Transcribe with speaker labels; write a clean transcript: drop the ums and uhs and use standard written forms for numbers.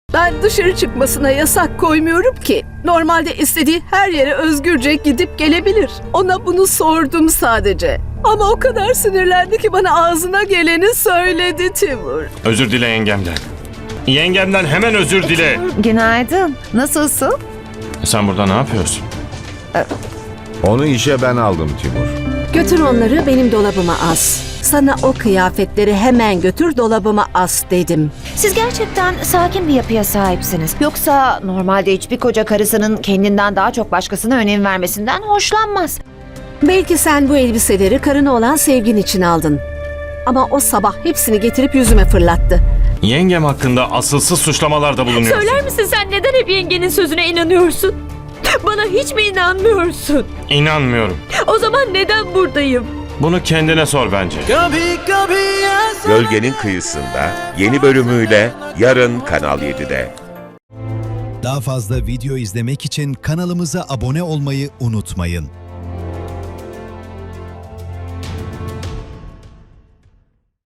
Speaker 1: Ben dışarı çıkmasına yasak koymuyorum ki. Normalde istediği her yere özgürce gidip gelebilir. Ona bunu sordum sadece. Ama o kadar sinirlendi ki bana ağzına geleni söyledi Timur.
Speaker 2: Özür dile yengemden. Yengemden hemen özür dile.
Speaker 3: Günaydın. Nasılsın?
Speaker 2: Sen burada ne yapıyorsun?
Speaker 4: Onu işe ben aldım Timur.
Speaker 1: Götür onları benim dolabıma as. Sana o kıyafetleri hemen götür dolabıma as dedim.
Speaker 3: Siz gerçekten sakin bir yapıya sahipsiniz. Yoksa normalde hiçbir koca karısının kendinden daha çok başkasına önem vermesinden hoşlanmaz.
Speaker 1: Belki sen bu elbiseleri karına olan sevgin için aldın. Ama o sabah hepsini getirip yüzüme fırlattı.
Speaker 2: Yengem hakkında asılsız suçlamalarda bulunuyorsun.
Speaker 5: Söyler misin sen neden hep yengenin sözüne inanıyorsun? Bana hiç mi inanmıyorsun?
Speaker 2: İnanmıyorum.
Speaker 5: O zaman neden buradayım?
Speaker 2: Bunu kendine sor bence.
Speaker 6: Gölgenin Kıyısında yeni bölümüyle yarın Kanal 7'de.
Speaker 7: Daha fazla video izlemek için kanalımıza abone olmayı unutmayın.